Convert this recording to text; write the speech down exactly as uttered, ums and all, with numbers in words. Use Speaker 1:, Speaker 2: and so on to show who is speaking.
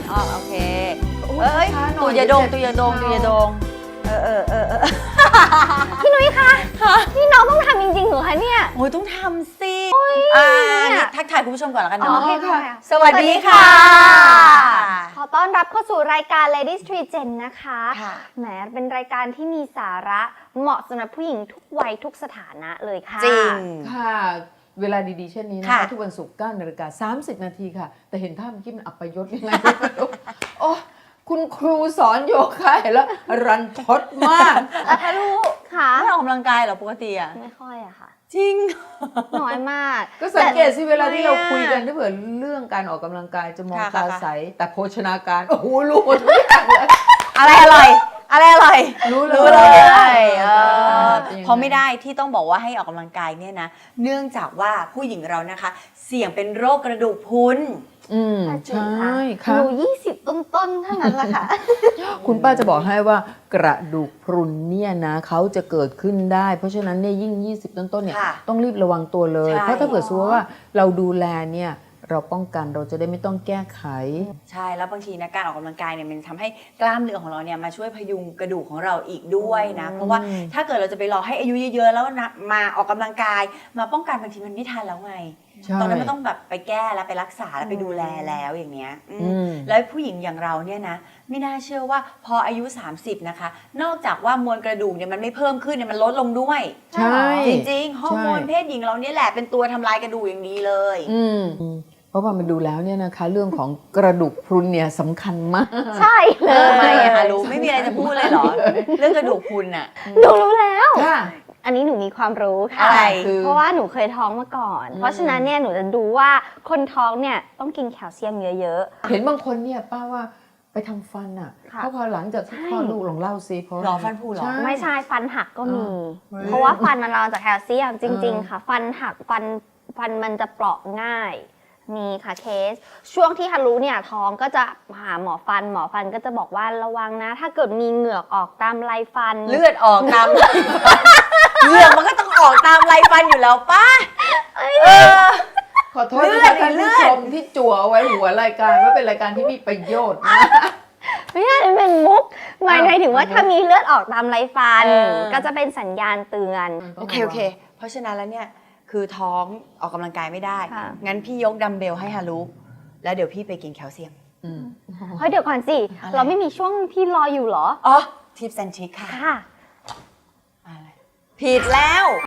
Speaker 1: อ๋อโอเคเอ้ยตูยาดงตูยาดงตูยาดงเออเออเออเออ
Speaker 2: พี่นุ้ยคะนี่น้องต้องทำจริงๆเหรอคะเนี่ย
Speaker 1: โอ้ยต้องทำสิอ่านี่ทักทายคุณผู้ชมก่อนแล้วกัน
Speaker 2: อ๋อ
Speaker 1: เนาะ
Speaker 2: โอเคค่ะ
Speaker 1: สวัสดีค่ะ
Speaker 2: ขอต้อนรับเข้าสู่รายการ Ladies Tree Gen นะคะ
Speaker 1: ค่ะ
Speaker 2: แหมเป็นรายการที่มีสาระเหมาะสำหรับผู้หญิงทุกวัยทุกสถานะเลยค่ะ
Speaker 1: จริง
Speaker 3: ค่ะเวลาดีๆเช่นนี้นะ
Speaker 1: ค่ะ
Speaker 3: คะทุกวันศุกร์เก้านาฬิกาสามสิบนาทีค่ะ แต่เห็นท่าเมื่อกี้มันอัปยศยังไงไม่รู้โอ้คุณครูสอนโยคะเห็นแล้วรันทดมาก
Speaker 1: แล้วถ้าลูก
Speaker 2: ค่ะ
Speaker 1: ไม่ออกกำลังกายเหรอปกติอ่ะ
Speaker 2: ไม่ค่อยอะค่ะ
Speaker 1: จริง
Speaker 2: น้อยมาก
Speaker 3: ก็สังเกตสิเวลาที่เรา
Speaker 1: ทำไมอะ
Speaker 3: คุยกันถ้าเผื่อเรื่องการออกกำลังกายจะมอง
Speaker 1: ค่ะ
Speaker 3: ตา
Speaker 1: ค่ะ
Speaker 3: ใสแต่โภชนาการโอ้โหรู้หมดทุกอย่างเลย
Speaker 1: อะไรอร่อยอะไรอร่อย
Speaker 3: รู้เลย
Speaker 1: รู้เลยเอ
Speaker 3: เอ
Speaker 1: อ
Speaker 3: อเป็นยังไง
Speaker 1: เพราะไม่ได้ที่ต้องบอกว่าให้ออกกำลังกายเนี่ยนะเนื่องจากว่าผู้หญิงเรานะคะ เสี่ยงเป็นโรคกระดูกพรุน
Speaker 3: อืม
Speaker 2: จริง
Speaker 3: ใช่
Speaker 2: ค่ะ
Speaker 3: ค่ะ
Speaker 2: หนูยี่สิบต้นๆเท่านั้นแหละค่ะ
Speaker 3: คุณป้าจะบอกให้ว่ากระดูกพรุนเนี่ยนะเขาจะเกิดขึ้นได้ เพราะฉะนั้นเนี่ยยิ่ง ยี่สิบ ต้นๆเนี่ย
Speaker 1: ค่ะ
Speaker 3: ต้องรีบระวังตัวเลย
Speaker 1: ใช่
Speaker 3: เพราะถ้าเกิดสมมติว่าเราดูแลเนี่ยเราป้องกันเราจะได้ไม่ต้องแก้ไข
Speaker 1: ใช่แล้วบางทีนะการออกกำลังกายเนี่ยมันทำให้กล้ามเนื้อของเราเนี่ยมาช่วยพยุงกระดูกของเราอีกด้วยนะ เพราะว่าถ้าเกิดเราจะไปรอให้อายุเยอะๆแล้วนะมาออกกำลังกาย มาป้องกันบางทีมันไม่ทันแล้วไง
Speaker 3: ใช่
Speaker 1: ตอนนั้นมันต้องแบบไปแก้แล้วไปรักษาแล้วไปดูแลแล้วอย่างเงี้ยอืม
Speaker 3: อืม
Speaker 1: แล้วผู้หญิงอย่างเราเนี่ยนะไม่น่าเชื่อว่าพออายุ สามสิบ นะคะ นอกจากว่ามวลกระดูกเนี่ยมันไม่เพิ่มขึ้นเนี่ยมันลดลงด้วย
Speaker 3: ใช่
Speaker 1: จริงๆฮอร์โมนเพศหญิงเราเนี่ยแหละเป็นตัวทำลายกระดูกอย่างดีเลย
Speaker 3: อืมเพราะว่ามันดูแล้วเนี่ยนะคะ เรื่องของกระดูกพรุนเนี่ยสำคัญมาก
Speaker 2: ใช่เล
Speaker 1: เออไม่
Speaker 2: ย
Speaker 1: อะคะรู้ไม่มีอะไรจะพูดเลยเหรอ เรื่องกระดูกพรุนอะ
Speaker 2: หนูรู้แล้ว
Speaker 3: ค่ะ
Speaker 2: อันนี้หนูมีความรู้ค่ะ
Speaker 1: อะไร
Speaker 3: คือ
Speaker 2: เพราะว่าหนูเคยท้องมาก่อน เพราะฉะนั้นเนี่ยหนูจะดูว่าคนท้องเนี่ยต้องกินแคลเซียมเยอะ
Speaker 3: เห็นบางคนเนี่ยป้าว่าไปทำฟันอ่ะ
Speaker 2: ค่ะ
Speaker 3: เพราะพอหลังจากที่คลอดลูกลองเล่าซิเพราะ
Speaker 1: หรอฟันผุเหรอ
Speaker 3: ใช่
Speaker 2: ๆ ไม่ใช่ฟันหักก็มี
Speaker 3: เฮ้ย
Speaker 2: เพราะว่าฟันมันเราจากแคลเซียมจริง
Speaker 3: เออ
Speaker 2: ๆ ค่ะ ฟันหักฟันฟันมันจะเปราะง่าย มีค่ะเคส ช่วงที่ฮารุเนี่ยท้องก็จะหาหมอฟันหมอฟันก็จะบอกว่าระวังนะ ถ้าเกิดมีเหงือกออกตามไรฟัน
Speaker 1: เลือดออกตามไรฟันเหงือกมันก็ต้องออกตามไรฟันอยู่แล้วป้าเออ
Speaker 3: ขอโทษ
Speaker 1: เลื
Speaker 3: นะ
Speaker 1: อด
Speaker 3: คะท่าน
Speaker 1: เลื
Speaker 3: ผู้
Speaker 1: อด
Speaker 3: ชมที่จั่วเอาไว้หัวรายการว่าเป็นรายการที่มีประโยชน์นะ
Speaker 2: ไม่ใช่มันเป็นมุกหมายถึงว่า
Speaker 3: อ้าว
Speaker 2: ถ้ามีเลือดออกตามไรฟัน
Speaker 1: เออ
Speaker 2: ก็จะเป็นสัญญาณเตือน
Speaker 1: โอเคโอเค เพราะฉะนั้นแล้วเนี่ยคือท้องออกกำลังกายไม่ได้
Speaker 2: ค่ะ
Speaker 1: งั้นพี่ยกดัมเบลให้ฮารุแล้วเดี๋ยวพี่ไปกินแคลเซียม
Speaker 3: อืม
Speaker 2: เฮ้ยเดี๋ยวก่อนสิ
Speaker 1: อะไร
Speaker 2: เราไม่มีช่วงที่รออยู่เหรอ
Speaker 1: อ๋อทิปแซนชิคค่ะ
Speaker 2: ค่ะ
Speaker 1: อะไรผิดแล้ว